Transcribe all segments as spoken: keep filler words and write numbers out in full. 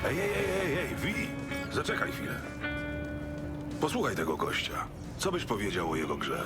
Ej, ej, ej, ej, ej, Wi! Zaczekaj chwilę. Posłuchaj tego gościa. Co byś powiedział o jego grze?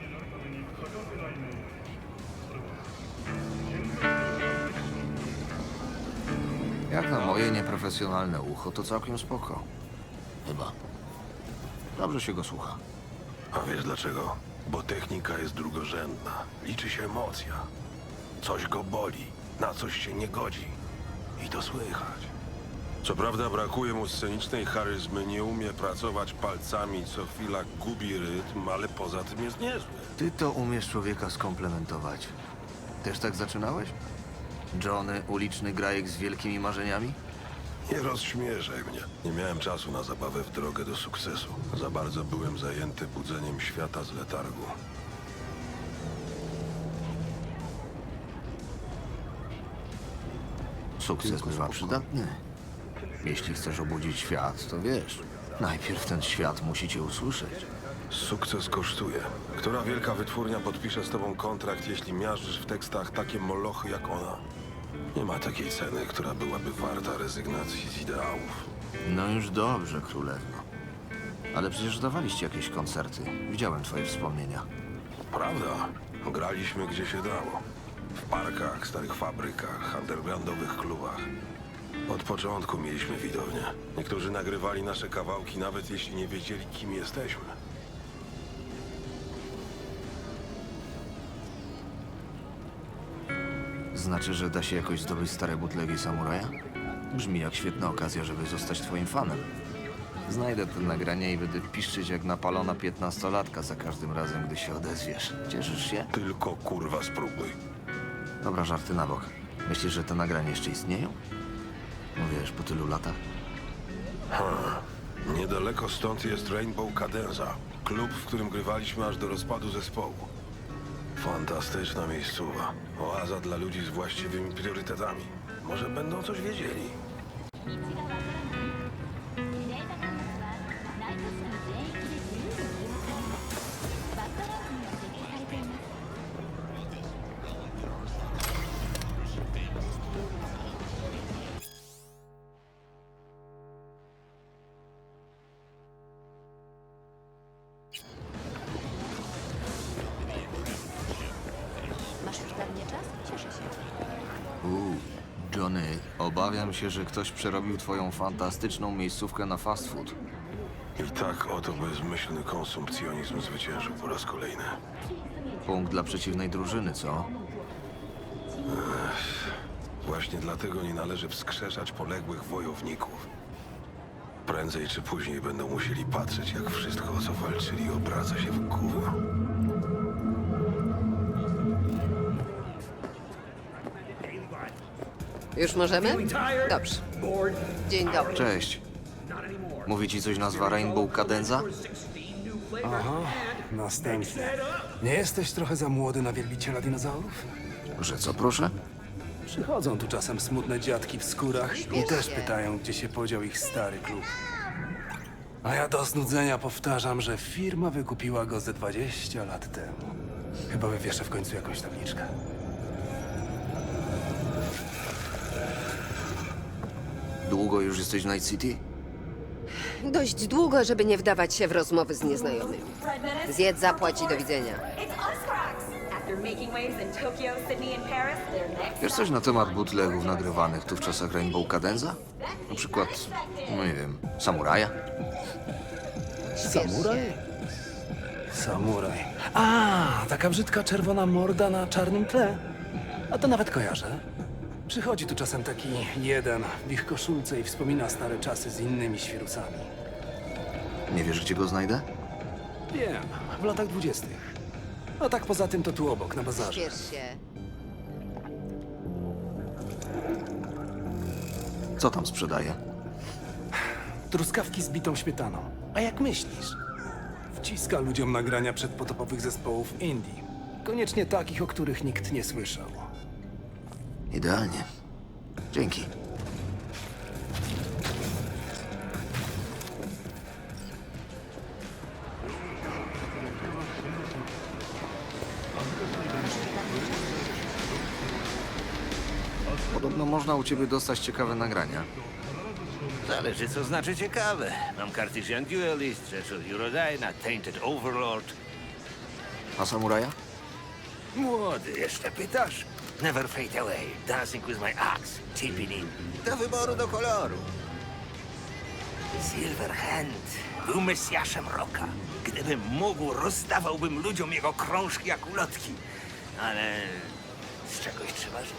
Jak na moje nieprofesjonalne ucho, to całkiem spoko. Chyba. Dobrze się go słucha. A wiesz dlaczego? Bo technika jest drugorzędna. Liczy się emocja. Coś go boli, na coś się nie godzi. I to słychać. Co prawda brakuje mu scenicznej charyzmy, nie umie pracować palcami, co chwila gubi rytm, ale poza tym jest niezły. Ty to umiesz człowieka skomplementować. Też tak zaczynałeś? Johnny, uliczny grajek z wielkimi marzeniami? Nie rozśmieszaj mnie. Nie miałem czasu na zabawę w drogę do sukcesu. Za bardzo byłem zajęty budzeniem świata z letargu. Sukces bywa przydatny. Jeśli chcesz obudzić świat, to wiesz, najpierw ten świat musi cię usłyszeć. Sukces kosztuje. Która wielka wytwórnia podpisze z tobą kontrakt, jeśli miażdżysz w tekstach takie molochy jak ona? Nie ma takiej ceny, która byłaby warta rezygnacji z ideałów. No już dobrze, królewno. Ale przecież dawaliście jakieś koncerty. Widziałem twoje wspomnienia. Prawda? Graliśmy gdzie się dało. W parkach, starych fabrykach, undergroundowych klubach. Od początku mieliśmy widownię. Niektórzy nagrywali nasze kawałki, nawet jeśli nie wiedzieli, kim jesteśmy. Znaczy, że da się jakoś zdobyć stare butlegi samuraja? Brzmi jak świetna okazja, żeby zostać twoim fanem. Znajdę to nagranie i będę piszczyć jak napalona piętnastolatka za każdym razem, gdy się odezwiesz. Cieszysz się? Tylko kurwa spróbuj. Dobra, żarty na bok. Myślisz, że te nagrania jeszcze istnieją? No wiesz, po tylu latach? Niedaleko stąd jest Rainbow Cadenza. Klub, w którym grywaliśmy aż do rozpadu zespołu. Fantastyczna miejscowa. Oaza dla ludzi z właściwymi priorytetami. Może będą coś wiedzieli. Masz już dla mnie czas? Cieszę się. Uuu, Johnny, obawiam się, że ktoś przerobił twoją fantastyczną miejscówkę na fast food. I tak oto bezmyślny konsumpcjonizm zwyciężył po raz kolejny. Punkt dla przeciwnej drużyny, co? Właśnie dlatego nie należy wskrzeszać poległych wojowników. Prędzej czy później będą musieli patrzeć, jak wszystko, o co walczyli, obraca się w gówno. Już możemy? Dobrze. Dzień dobry. Cześć. Mówi ci coś nazwa Rainbow Cadenza? Aha, następny. Nie jesteś trochę za młody na wielbiciela dinozaurów? Że co, proszę? Przychodzą tu czasem smutne dziadki w skórach i też pytają, gdzie się podział ich stary klub. A ja do znudzenia powtarzam, że firma wykupiła go ze dwadzieścia lat temu. Chyba wywieszę w końcu jakąś tabliczkę. Długo już jesteś w Night City? Dość długo, żeby nie wdawać się w rozmowy z nieznajomymi. Zjedz, zapłać i do widzenia. It's Oscrox! After making waves in Tokyo, Sydney and Paris, they're next. Wiesz coś na temat bootlegów nagrywanych tu w czasach Rainbow Cadenza? Na przykład, no nie wiem, Samuraja? Samuraj? Samuraj. A, taka brzydka czerwona morda na czarnym tle. A to nawet kojarzę. Przychodzi tu czasem taki jeden w ich koszulce i wspomina stare czasy z innymi świrusami. Nie wiesz, gdzie go znajdę? Wiem, w latach dwudziestych. A tak poza tym to tu obok, na bazarze. Śpiesz się. Co tam sprzedaje? Truskawki z bitą śmietaną. A jak myślisz? Wciska ludziom nagrania przedpotopowych zespołów indie. Koniecznie takich, o których nikt nie słyszał. Idealnie. Dzięki. Podobno można u ciebie dostać ciekawe nagrania. Zależy, co znaczy ciekawe. Mam Cartesian Duelist, rzecz od Eurodyna, Tainted Overlord. A samuraja? Młody, jeszcze pytasz? Never fade away, dancing with my axe, chipping in. Do wyboru, do koloru. Silverhand był mesjaszem roka. Gdybym mógł, rozdawałbym ludziom jego krążki jak ulotki. Ale z czegoś trzeba żyć.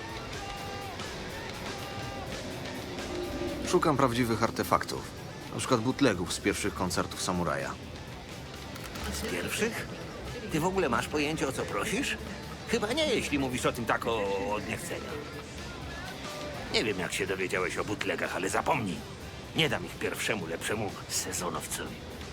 Szukam prawdziwych artefaktów. Na przykład bootlegów z pierwszych koncertów samuraja. Z pierwszych? Ty w ogóle masz pojęcie, o co prosisz? Chyba nie, jeśli mówisz o tym tak o, od niechcenia. Nie wiem, jak się dowiedziałeś o bootlegach, ale zapomnij. Nie dam ich pierwszemu, lepszemu sezonowcowi.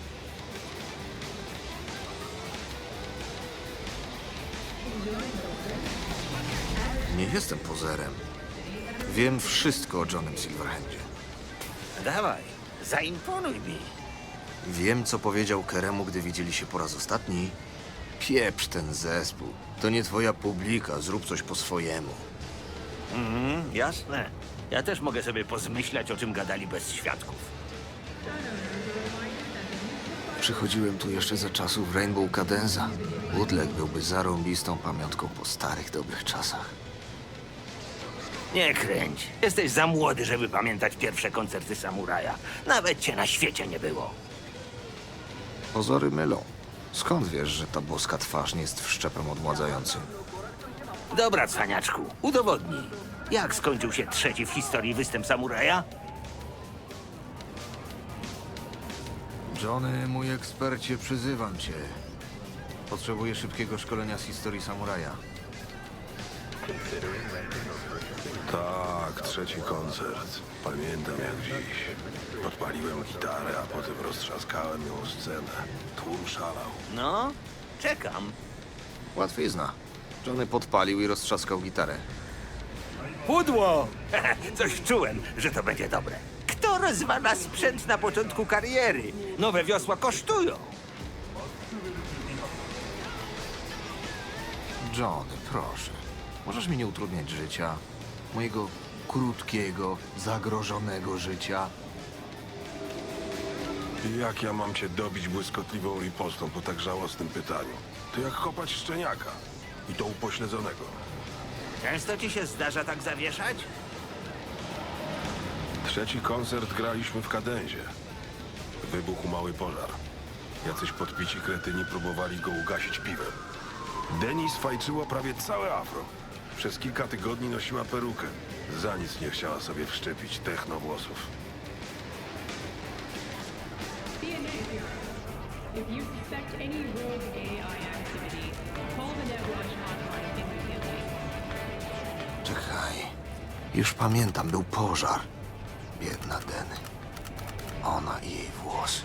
Nie jestem pozerem. Wiem wszystko o Johnem Silverhandzie. Dawaj, zaimponuj mi. Wiem, co powiedział Keremu, gdy widzieli się po raz ostatni. Pieprz ten zespół. To nie twoja publika, zrób coś po swojemu. Mhm, jasne. Ja też mogę sobie pozmyślać, o czym gadali bez świadków. Przychodziłem tu jeszcze za czasów Rainbow Cadenza. Bootleg byłby zarąbistą pamiątką po starych, dobrych czasach. Nie kręć. Jesteś za młody, żeby pamiętać pierwsze koncerty samuraja. Nawet cię na świecie nie było. Pozory mylą. Skąd wiesz, że ta boska twarz nie jest wszczepem odmładzającym? Dobra, cwaniaczku, udowodnij. Jak skończył się trzeci w historii występ samuraja? Johnny, mój ekspercie, przyzywam cię. Potrzebuję szybkiego szkolenia z historii samuraja. Tak, trzeci koncert. Pamiętam jak dziś. Podpaliłem gitarę, a potem roztrzaskałem ją o scenę. Tłum szalał. No, czekam. Łatwizna. Johnny podpalił i roztrzaskał gitarę. Pudło! Coś czułem, że to będzie dobre. Kto rozwala sprzęt na początku kariery? Nowe wiosła kosztują. Johnny, proszę. Możesz mi nie utrudniać życia. Mojego krótkiego, zagrożonego życia. Jak ja mam cię dobić błyskotliwą ripostą po tak żałosnym pytaniu? To jak kopać szczeniaka. I to upośledzonego. Często ci się zdarza tak zawieszać? Trzeci koncert graliśmy w Kadenzie. Wybuchł mały pożar. Jacyś podpici kretyni próbowali go ugasić piwem. Denis fajczyła prawie całe afro. Przez kilka tygodni nosiła perukę. Za nic nie chciała sobie wszczepić techno włosów. If you suspect any rogue A I activity, call the NetWatch hotline immediately. Czekaj. Już pamiętam, był pożar. Biedna Deny. Ona i jej włosy.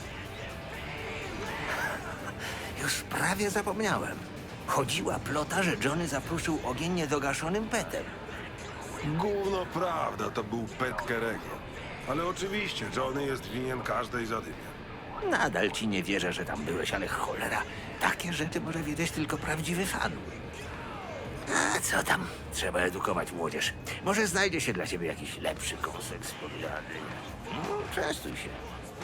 Już prawie zapomniałem. Chodziła plota, że Johnny zapruszył ogień niedogaszonym petem. Gówno prawda, to był pet Kerego. Ale oczywiście, Johnny jest winien każdej zadymy. Nadal ci nie wierzę, że tam byłeś, ale cholera, takie rzeczy może wiedzieć tylko prawdziwy fan. A co tam? Trzeba edukować młodzież. Może znajdzie się dla ciebie jakiś lepszy kąsek z podjady. No, częstuj się.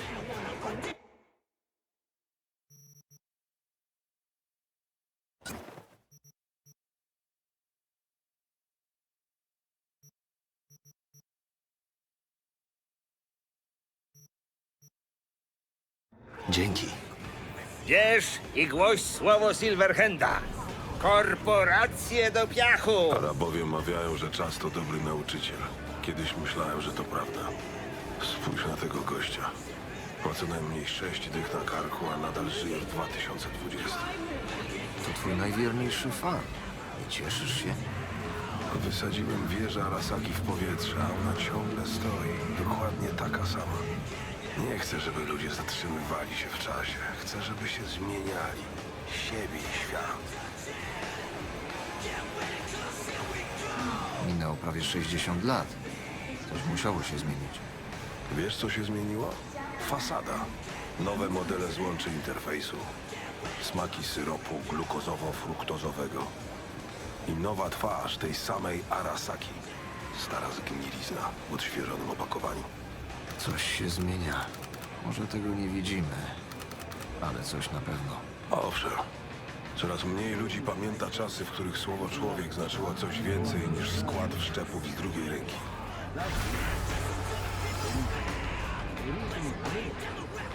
Dzięki. Bierz i głoś słowo Silverhanda. Korporacje do piachu! Arabowie mawiają, że czas to dobry nauczyciel. Kiedyś myślałem, że to prawda. Spójrz na tego gościa. Ma co najmniej sześć dych na karku, a nadal żyje w dwa tysiące dwudziestym. To twój najwierniejszy fan. Nie cieszysz się? Wysadziłem wieżę Arasaki w powietrze, a ona ciągle stoi. Dokładnie taka sama. Nie chcę, żeby ludzie zatrzymywali się w czasie. Chcę, żeby się zmieniali. Siebie i świat. Minęło prawie sześćdziesiąt lat. Coś musiało się zmienić. Wiesz, co się zmieniło? Fasada. Nowe modele złączy interfejsu. Smaki syropu glukozowo-fruktozowego. I nowa twarz tej samej Arasaki. Stara zgnilizna w odświeżonym opakowaniu. Coś się zmienia. Może tego nie widzimy, ale coś na pewno. Owszem. Coraz mniej ludzi pamięta czasy, w których słowo człowiek znaczyło coś więcej niż skład wszczepów z drugiej ręki.